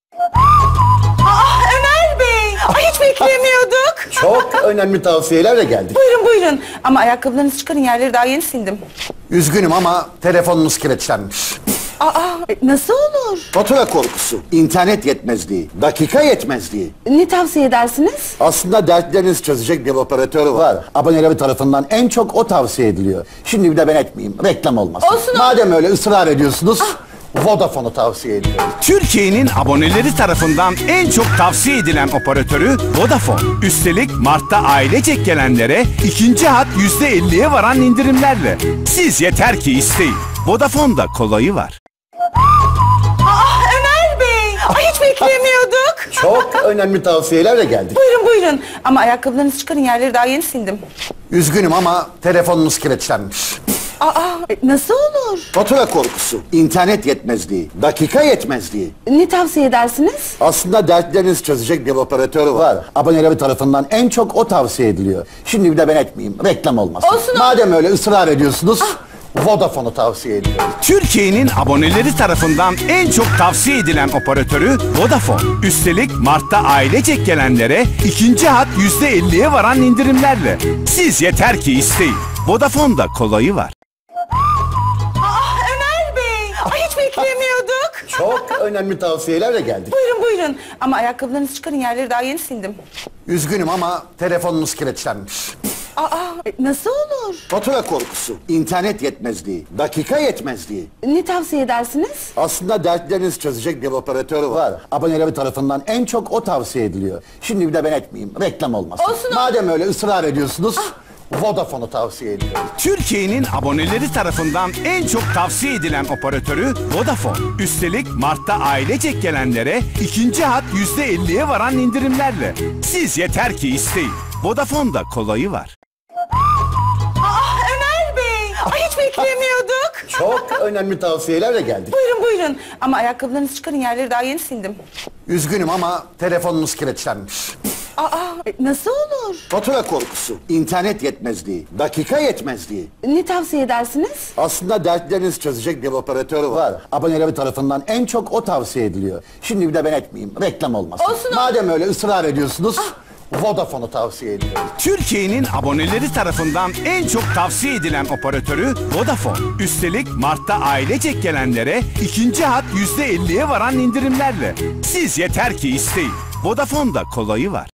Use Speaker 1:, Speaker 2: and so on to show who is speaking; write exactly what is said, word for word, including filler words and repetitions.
Speaker 1: Aa, Ömer Bey! Ay, hiç beklemiyorduk.
Speaker 2: Çok önemli tavsiyelerle geldik.
Speaker 1: Buyurun buyurun. Ama ayakkabılarınızı çıkarın, yerleri daha yeni sildim.
Speaker 2: Üzgünüm ama telefonunuz kilitlenmiş.
Speaker 1: Aa, nasıl olur?
Speaker 2: Fatura korkusu, internet yetmezliği, dakika yetmezliği.
Speaker 1: Ne tavsiye edersiniz?
Speaker 2: Aslında dertlerinizi çözecek bir operatör var. Aboneleri tarafından en çok o tavsiye ediliyor. Şimdi bir de ben etmeyeyim, reklam olmasın.
Speaker 1: Olsun,
Speaker 2: Madem öyle ısrar ediyorsunuz, Vodafone'u tavsiye ediyorum.
Speaker 3: Türkiye'nin aboneleri tarafından en çok tavsiye edilen operatörü Vodafone. Üstelik Mart'ta ailecek gelenlere ikinci hat yüzde elliye varan indirimlerle. Siz yeter ki isteyin. Vodafone'da kolayı var.
Speaker 1: Aa, Ömer Bey! Ay, hiç beklemiyorduk.
Speaker 2: Çok önemli tavsiyelerle geldik.
Speaker 1: Buyurun buyurun. Ama ayakkabılarınızı çıkarın, yerleri daha yeni sildim.
Speaker 2: Üzgünüm ama telefonunuz kilitlenmiş.
Speaker 1: Aa, nasıl olur?
Speaker 2: Fatura korkusu, internet yetmezliği, dakika yetmezliği.
Speaker 1: Ne tavsiye edersiniz?
Speaker 2: Aslında dertlerinizi çözecek bir operatör var. Aboneleri tarafından en çok o tavsiye ediliyor. Şimdi bir de ben etmeyeyim, reklam olmasın.
Speaker 1: Olsun,
Speaker 2: Madem öyle ısrar ediyorsunuz, Vodafone'u tavsiye ediyorum.
Speaker 3: Türkiye'nin aboneleri tarafından en çok tavsiye edilen operatörü Vodafone. Üstelik Mart'ta ailecek gelenlere ikinci hat yüzde elliye varan indirimlerle. Siz yeter ki isteyin. Vodafone'da kolayı var.
Speaker 1: Aa, Ömer Bey! Ay, hiç beklemiyorduk.
Speaker 2: Çok önemli tavsiyelerle geldik.
Speaker 1: Buyurun buyurun. Ama ayakkabılarınızı çıkarın, yerleri daha yeni sildim.
Speaker 2: Üzgünüm ama telefonunuz kilitlenmiş.
Speaker 1: Aa, nasıl olur?
Speaker 2: Fatura korkusu, internet yetmezliği, dakika yetmezliği.
Speaker 1: Ne tavsiye edersiniz?
Speaker 2: Aslında dertlerinizi çözecek bir operatör var. Aboneleri tarafından en çok o tavsiye ediliyor. Şimdi bir de ben etmeyeyim, reklam olmasın.
Speaker 1: Olsun,
Speaker 2: Madem öyle ısrar ediyorsunuz, Vodafone'u tavsiye ediyorum.
Speaker 3: Türkiye'nin aboneleri tarafından en çok tavsiye edilen operatörü Vodafone. Üstelik Mart'ta ailecek gelenlere ikinci hat yüzde elliye varan indirimlerle. Siz yeter ki isteyin. Vodafone'da kolayı var.
Speaker 1: Aa, Ömer Bey! Ay, hiç beklemiyorduk.
Speaker 2: Çok önemli tavsiyelerle geldik.
Speaker 1: Buyurun buyurun. Ama ayakkabılarınızı çıkarın, yerleri daha yeni sildim.
Speaker 2: Üzgünüm ama telefonunuz kilitlenmiş.
Speaker 1: Aa, nasıl olur?
Speaker 2: Fatura korkusu, internet yetmezliği, dakika yetmezliği.
Speaker 1: Ne tavsiye edersiniz?
Speaker 2: Aslında dertlerinizi çözecek bir operatör var. Aboneleri tarafından en çok o tavsiye ediliyor. Şimdi bir de ben etmeyeyim, reklam olmasın.
Speaker 1: Olsun,
Speaker 2: Madem öyle ısrar ediyorsunuz, Vodafone'u tavsiye ediyorum.
Speaker 3: Türkiye'nin aboneleri tarafından en çok tavsiye edilen operatörü Vodafone. Üstelik Mart'ta ailecek gelenlere ikinci hat yüzde elliye varan indirimlerle. Siz yeter ki isteyin. Vodafone'da kolayı var.